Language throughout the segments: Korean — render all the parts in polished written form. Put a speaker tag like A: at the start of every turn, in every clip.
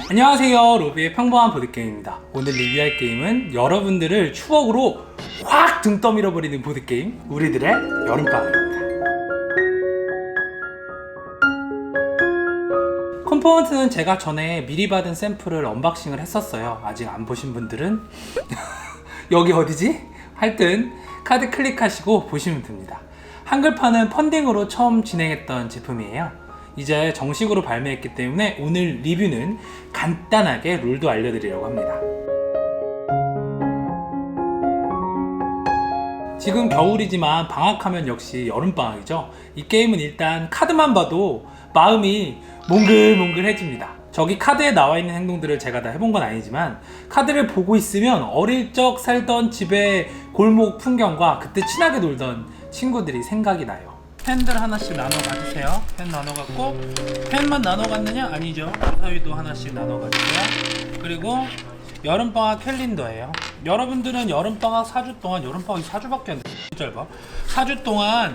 A: 안녕하세요, 로비의 평범한 보드게임입니다. 오늘 리뷰할 게임은 여러분들을 추억으로 확 등 떠밀어 버리는 보드게임, 우리들의 여름방학입니다. 컴포넌트는 제가 전에 미리 받은 샘플을 언박싱을 했었어요. 아직 안 보신 분들은 여기 어디지? 하여튼 카드 클릭하시고 보시면 됩니다. 한글판은 펀딩으로 처음 진행했던 제품이에요. 이제 정식으로 발매했기 때문에 오늘 리뷰는 간단하게 룰도 알려드리려고 합니다. 지금 겨울이지만 방학하면 역시 여름방학이죠. 이 게임은 일단 카드만 봐도 마음이 몽글몽글해집니다. 저기 카드에 나와 있는 행동들을 제가 다 해본 건 아니지만 카드를 보고 있으면 어릴 적 살던 집의 골목 풍경과 그때 친하게 놀던 친구들이 생각이 나요. 펜들 하나씩 나눠 가주세요. 펜 나눠 갖고, 펜만 나눠 갔느냐? 아니죠. 사위도 하나씩 나눠 가주세요. 그리고 여름방학 캘린더예요. 여러분들은 여름방학 4주 동안, 여름방학이 4주밖에 안 돼. 짧아. 4주 동안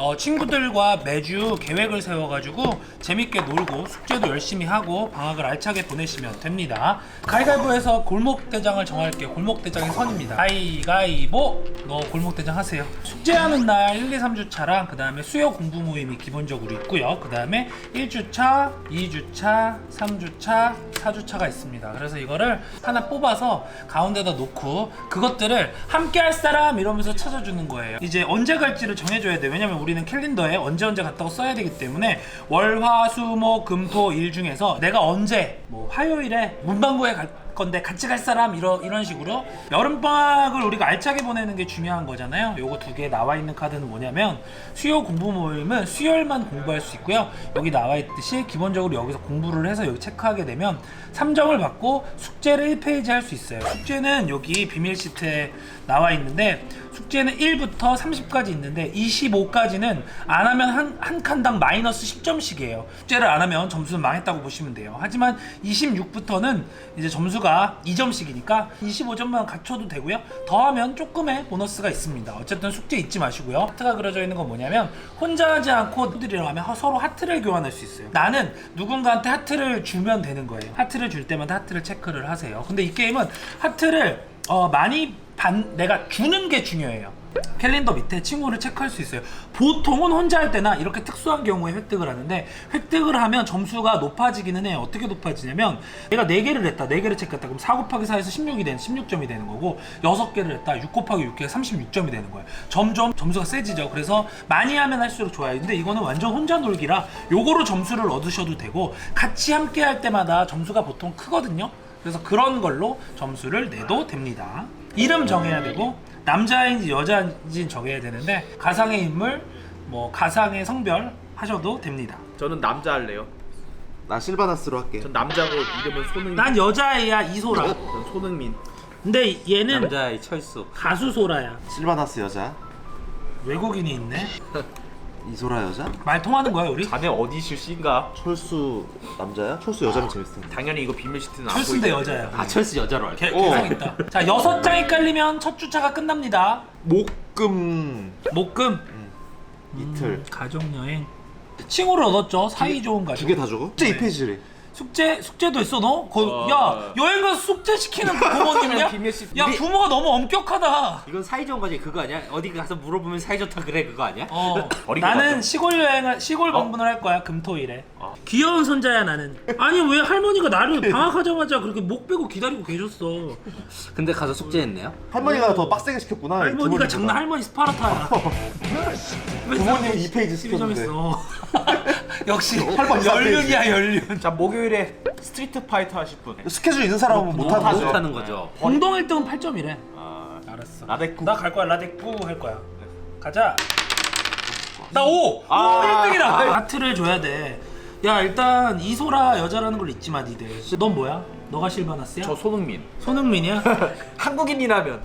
A: 친구들과 매주 계획을 세워가지고 재밌게 놀고 숙제도 열심히 하고 방학을 알차게 보내시면 됩니다. 가위바위보에서 골목대장을 정할게요. 골목대장의 선입니다. 가위바위보! 너 골목대장 하세요. 숙제하는 날 1, 2, 3주차랑 그 다음에 수요 공부 모임이 기본적으로 있고요. 그 다음에 1주차, 2주차, 3주차, 4주차가 있습니다. 그래서 이거를 하나 뽑아서 가운데다 놓고 그것들을 함께 할 사람 이러면서 찾아주는 거예요. 이제 언제 갈지를 정해줘야 돼. 왜냐면 우리는 캘린더에 언제 갔다고 써야 되기 때문에 월, 화, 수, 목, 금, 토, 일 중에서 내가 언제 뭐 화요일에 문방구에 갈 건데 같이 갈 사람 이런 식으로 여름방학을 우리가 알차게 보내는 게 중요한 거잖아요. 요거 두 개 나와 있는 카드는 뭐냐면 수요 공부 모임은 수요일만 공부할 수 있고요. 여기 나와 있듯이 기본적으로 여기서 공부를 해서 여기 체크하게 되면 3점을 받고 숙제를 1페이지 할 수 있어요. 숙제는 여기 비밀 시트에 나와 있는데 숙제는 1부터 30까지 있는데 25까지는 안 하면 한 칸당 마이너스 10점씩이에요. 숙제를 안 하면 점수는 망했다고 보시면 돼요. 하지만 26부터는 이제 점수가 2점씩이니까 25점만 갖춰도 되고요. 더하면 조금의 보너스가 있습니다. 어쨌든 숙제 잊지 마시고요. 하트가 그려져 있는 건 뭐냐면 혼자 하지 않고 분들이랑 하면 서로 하트를 교환할 수 있어요. 나는 누군가한테 하트를 주면 되는 거예요. 하트를 줄 때마다 하트를 체크를 하세요. 근데 이 게임은 하트를 많이 내가 주는 게 중요해요. 캘린더 밑에 친구를 체크할 수 있어요. 보통은 혼자 할 때나 이렇게 특수한 경우에 획득을 하는데 획득을 하면 점수가 높아지기는 해요. 어떻게 높아지냐면 내가 4개를 했다. 4개를 체크했다. 그럼 4 곱하기 4에서 16이 되는 16점이 되는 거고 6개를 했다. 6 곱하기 6개가 36점이 되는 거예요. 점점 점수가 세지죠. 그래서 많이 하면 할수록 좋아요. 근데 이거는 완전 혼자 놀기라 요거로 점수를 얻으셔도 되고 같이 함께 할 때마다 점수가 보통 크거든요. 그래서 그런 걸로 점수를 내도 됩니다. 이름 정해야 되고 남자인지 여자인지 정해야 되는데 가상의 인물, 뭐 가상의 성별 하셔도 됩니다.
B: 저는 남자 할래요.
C: 나 실바나스로 할게.
B: 전 남자고 이름은 손흥민.
A: 난 여자애야 이소라.
B: 전 손흥민.
A: 근데 얘는
D: 남자의 철수.
A: 가수 소라야.
C: 실바나스 여자,
A: 외국인이 있네.
C: 이소라 여자,
A: 말 통하는 거야 우리?
B: 자네 어디 출신가?
C: 철수 남자야? 철수 여자면 재밌을 텐데.
B: 당연히 이거 비밀 시트는 안
A: 철수인데
B: 보이죠.
A: 여자야.
D: 아 철수 여자로 할게.
A: 개성 있다. 자 6장이 깔리면 첫 주차가 끝납니다.
C: 목금
A: 목금.
C: 이틀
A: 가족여행. 칭호를 얻었죠. 사이 좋은 가족.
C: 2개 다 주고? 숙제 2페이지래.
A: 숙제도 있어 너? 야 여행 가서 숙제 시키는 그 부모님이냐?
D: 비밀 시-
A: 야 부모가 너무 엄격하다.
D: 이건 사이좋은 거지 그거 아니야? 어디 가서 물어보면 사이좋다 그래 그거 아니야?
B: 어리고
A: 나는
B: 가죠.
A: 시골 여행을 시골 방문을 할 거야 금토일에. 귀여운 손자야 나는. 아니 왜 할머니가 나를 방학하자마자 그렇게 목 빼고 기다리고 계셨어.
D: 근데 가서 숙제했네요?
C: 할머니가 더 빡세게 시켰구나.
A: 할머니가
C: 부모님보다.
A: 장난 할머니 스파르타야.
C: 부모님 2페이지 시켰는데.
A: 점했어. 역시
C: 할머니
A: 연륜이야 연륜.
B: 자 목요일에 스트리트 파이터 하실 분.
C: 스케줄 있는 사람은 못하는 거죠.
D: 못하는 거죠.
A: 공동 1등은 8점이래.
B: 아,
A: 알았어.
B: 라데쿠.
A: 나 갈 거야 라데쿠 할 거야. 가자. 나 5!
B: 아.
A: 1등이다! 하트를 줘야 돼. 야 일단 이소라 여자라는 걸 잊지 마 니들. 넌 뭐야? 너가 실바나스야?
B: 저 손흥민.
A: 손흥민이야?
B: 한국인이라면.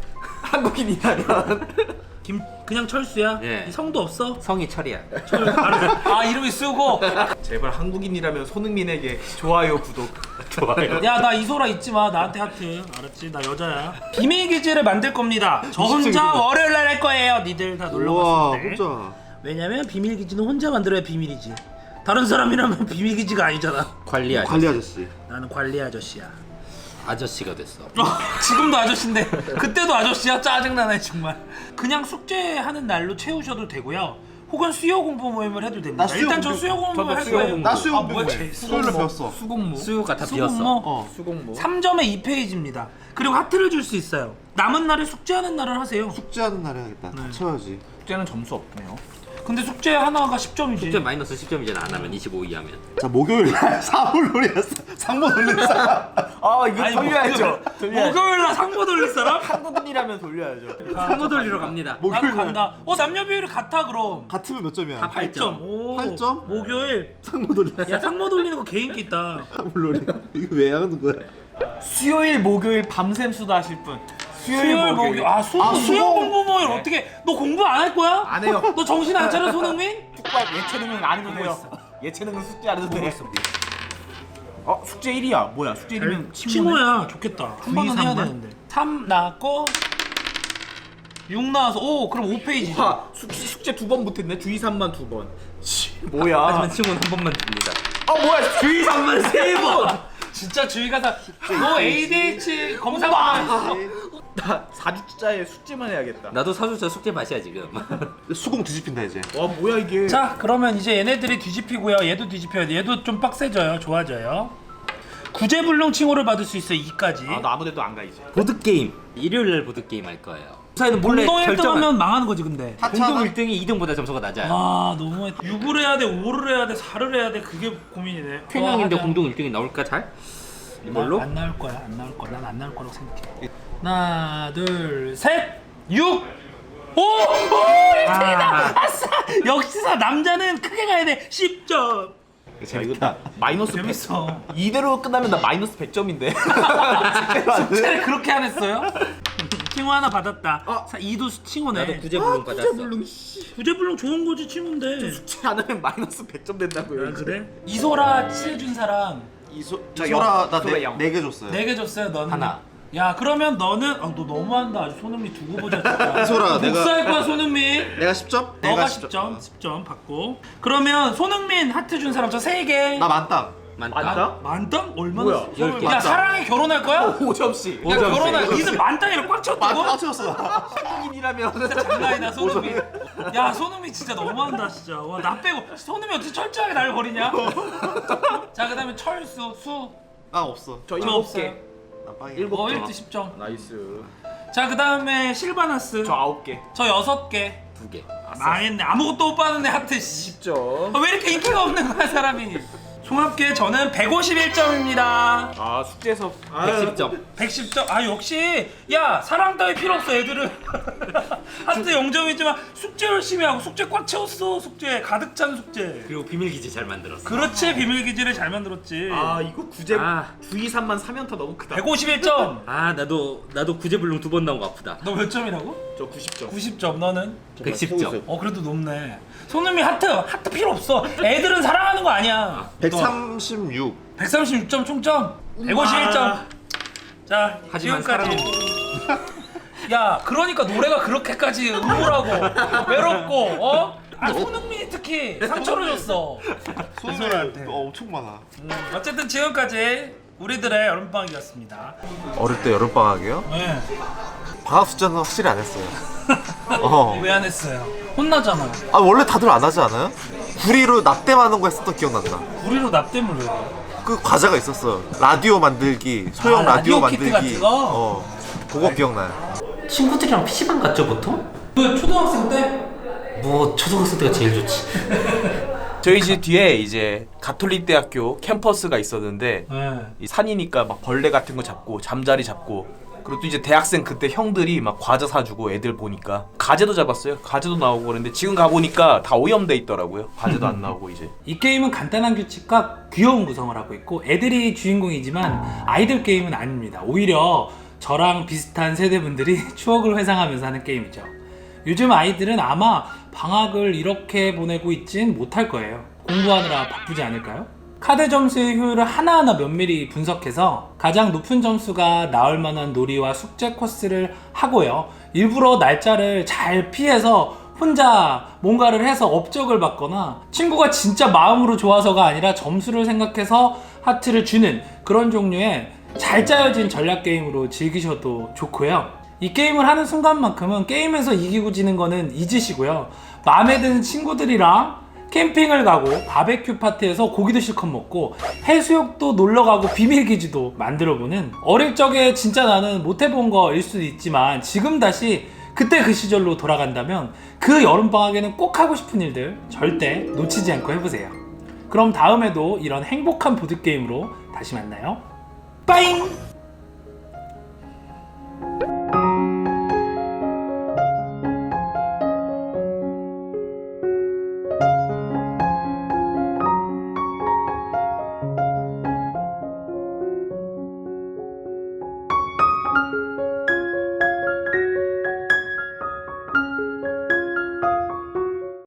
A: 그냥 철수야?
D: 예.
A: 이 성도 없어?
D: 성이 철이야.
A: 아 이름이 쓰고.
B: 제발 한국인이라면 손흥민에게 좋아요 구독. 좋아요.
A: 야 나 이소라 잊지 마. 나한테 하트. 알았지? 나 여자야. 비밀 기지를 만들 겁니다. 저 혼자 월요일 날 할 거예요. 니들 다 놀러
C: 우와
A: 갔을 때.
C: 혼자.
A: 왜냐면 비밀 기지는 혼자 만들어야 비밀이지. 다른 사람이라면 비밀기지가 아니잖아.
D: 관리 아저씨.
C: 관리 아저씨.
A: 나는 관리 아저씨야.
D: 아저씨가 됐어.
A: 지금도 아저씨인데 그때도 아저씨야? 짜증나네 정말. 그냥 숙제하는 날로 채우셔도 되고요. 혹은 수요 공부 모임을 해도 됩니다.
C: 나 수요
A: 일단 저
C: 공부-
A: 수요 공부
B: 저도
A: 할
B: 수요
A: 거예요.
B: 공부.
C: 나 수요
A: 아,
C: 공부
A: 뭐야,
C: 해.
A: 쟤
C: 수요일로 배웠어.
A: 수공모.
D: 수요가 다 비었어.
A: 수공모.
B: 수공모.
A: 3점에 2페이지입니다. 그리고 하트를 줄 수 있어요. 남은 날에 숙제하는 날을 하세요.
C: 숙제하는 날 해야겠다. 다 채워야지.
B: 숙제는 점수 없네요.
A: 근데 숙제 하나가 10점이지.
D: 숙제 마이너스 10점이잖아. 안 하면 25 이하면.
C: 자 목요일 날 사물놀이였어. 상모 놀린 사람.
B: 아 이거
A: 아니,
B: 돌려야죠.
A: 목요일날 상모 돌릴 사람?
B: 한국인이라면 돌려야죠.
D: 상모 돌리러 갑니다.
A: 나도
C: 목요일 날
A: 간다. 남녀 비율이 같아 그럼.
C: 같으면 몇 점이야?
D: 다 8점.
A: 오,
C: 8점?
A: 목요일.
C: 상모 놀린
A: 야 상모 돌리는 거 개인기 있다.
C: 사물놀이. 이거 왜 하는 거야?
B: 수요일 목요일 밤샘 수다하실 분.
A: 수요일 목요일. 아 수요
C: 수요.
A: 공부 모임 어떻게? 너 공부 안 할 거야?
B: 안 해요.
A: 너 정신 안 차려 손흥민?
B: 축구할 예체능은 안 해도 돼요. 예체능은 숙제 안 해도 돼. 숙제 1이야. 뭐야? 숙제 1이면
A: 친구야. 좋겠다. 한 번은 해야
B: 3만?
A: 되는데. 3 나왔고 6 나와서 오 그럼 5페이지죠.
B: 와 숙제 2번 못했네. 주의 3만 2번. 뭐야?
D: 하지만 친구는 한 번만 줍니다.
B: 뭐야? 주의 3만 3번.
A: 진짜 주의가 너 ADH 검사
B: 나 4주짜리 숙제만 해야겠다.
D: 나도 사주자 숙제 맛이야 지금.
C: 수공 뒤집힌다 이제.
B: 와 뭐야 이게?
A: 자 그러면 이제 얘네들이 뒤집히고요. 얘도 뒤집혀야 돼. 얘도 좀 빡세져요. 좋아져요. 구제불능 칭호를 받을 수 있어요. 2까지.
B: 나 아무데도 안 가 이제.
D: 보드 게임. 일요일 날 보드 게임 할 거예요. 사이는 몰래
A: 공동 1등
D: 결정한.
A: 하면 망하는 거지 근데.
D: 공동 1등이 2등보다 점수가 낮아요.
A: 아 너무 6을 해야 돼 5를 해야 돼 4를 해야 돼 그게 고민이네.
D: 평양인데
A: 하자.
D: 공동 1등이 나올까 잘? 이걸로?
A: 안 나올 거야 안 나올 거야 난 안 나올 거라고 생각해. 하나 둘셋 6 오! 오! 1등이다! 아싸! 역시나 남자는 크게 가야 돼 10점.
B: 재밌다. 마이너스 100.
A: 재밌어.
B: 이대로 끝나면 나 마이너스 100점인데.
A: 숙제를 그렇게 안 했어요? 칭호 하나 받았다. 2도 칭호네.
D: 나도 구제불능 받았어.
A: 구제불능 좋은 거지 칭호인데.
B: 숙제 안 하면 마이너스 100점 된다고요.
A: 아 그래? 이소라 칠해준 사람
C: 이소라 나 4개 줬어요.
A: 4개 줬어요. 너는
D: 하나.
A: 야 그러면 너는 너 너무한다. 아주 손흥민 두고 보자. 진짜.
C: 이소라, 내가-
A: 복수할 거야 손흥민.
C: 내가 10점?
A: 너가 10점 받고. 그러면 손흥민 하트 준 사람 저 3개.
C: 나 만땅.
B: 맞다?
A: 만땅? 얼마나?
B: 뭐야?
D: 10개.
A: 야 사랑해 결혼할 거야?
B: 5점씩.
A: 야 결혼할 이들 만땅이랑 꽉 쳤다고?
C: 맞췄어.
B: 한국인이라면
A: 장난이다 손흥민. 야 손흥민 진짜 너무한다 진짜. 와 나 빼고 손흥민 어떻게 철저하게 날 버리냐? 자 그다음에 철수 수.
C: 나 없어.
B: 저
A: 저
B: 7개.
A: 없어요.
C: 나 빵이야.
B: 7개.
A: 1등 10점.
B: 나이스.
A: 자 그다음에 실바나스.
B: 저 9개.
A: 저 6개.
D: 2개.
A: 망했네. 아무것도 못 받았네 하트 씨.
B: 10점.
A: 왜 이렇게 인기가 없는 거야 사람이? 종합계 저는 151점입니다.
B: 숙제에서
D: 110점.
A: 110점. 아 역시 야 사랑 따위 필요 없어 애들은. 하트 0점이지만 숙제 열심히 하고 숙제 꽉 채웠어. 숙제 가득 찬 숙제.
D: 그리고 비밀기지 잘 만들었어.
A: 그렇지 비밀기지를 잘 만들었지.
B: 이거 구제
D: 아.
B: 주의 3만 3연타 너무 크다.
A: 151점.
D: 아 나도 구제불능 2번 나온 거 아프다.
A: 너 몇 점이라고?
B: 저 90점.
A: 90점. 너는?
D: 110점.
A: 그래도 높네. 손흥민 하트 필요 없어. 애들은 사랑하는 거 아니야.
C: 136.
A: 136점 총점. 151점. 자
D: 하지만
A: 지금까지. 야 그러니까 노래가 그렇게까지 우울하고 외롭고 손흥민이 특히 상처를 줬어.
C: 손을 엄청 많아.
A: 어쨌든 지금까지 우리들의 여름방학이었습니다.
C: 어릴 때 여름방학이요?
A: 네.
C: 방학 숙제는 확실히 안 했어요.
A: 왜 안 했어요? 혼나잖아.
C: 원래 다들 안 하지 않아요? 구리로 납땜하는 거 했었던 기억난다.
A: 우리로 납땜을 왜 해?
C: 그 과제가 있었어. 라디오 만들기, 소형 라디오
A: 라디오 키트
C: 만들기.
A: 같은 거?
C: 그거 기억나요.
D: 친구들이랑 PC방 갔죠 보통?
A: 그 초등학생 때?
D: 뭐 초등학생 때가 제일 좋지.
B: 저희 집 뒤에 이제 가톨릭 대학교 캠퍼스가 있었는데
A: 네.
B: 이 산이니까 막 벌레 같은 거 잡고 잠자리 잡고 그리고 또 이제 대학생 그때 형들이 막 과자 사주고 애들 보니까 가재도 잡았어요. 가재도 나오고 그랬는데 지금 가보니까 다 오염돼 있더라고요. 과제도 안 나오고 이제.
A: 이 게임은 간단한 규칙과 귀여운 구성을 하고 있고 애들이 주인공이지만 아이들 게임은 아닙니다. 오히려 저랑 비슷한 세대분들이 추억을 회상하면서 하는 게임이죠. 요즘 아이들은 아마 방학을 이렇게 보내고 있진 못할 거예요. 공부하느라 바쁘지 않을까요? 카드 점수의 효율을 하나하나 면밀히 분석해서 가장 높은 점수가 나올 만한 놀이와 숙제 코스를 하고요. 일부러 날짜를 잘 피해서 혼자 뭔가를 해서 업적을 받거나 친구가 진짜 마음으로 좋아서가 아니라 점수를 생각해서 하트를 주는 그런 종류의 잘 짜여진 전략 게임으로 즐기셔도 좋고요. 이 게임을 하는 순간만큼은 게임에서 이기고 지는 거는 잊으시고요. 마음에 드는 친구들이랑 캠핑을 가고 바베큐 파티에서 고기도 실컷 먹고 해수욕도 놀러가고 비밀기지도 만들어보는, 어릴 적에 진짜 나는 못해본 거일 수도 있지만 지금 다시 그때 그 시절로 돌아간다면 그 여름방학에는 꼭 하고 싶은 일들 절대 놓치지 않고 해보세요. 그럼 다음에도 이런 행복한 보드게임으로 다시 만나요. 빠잉!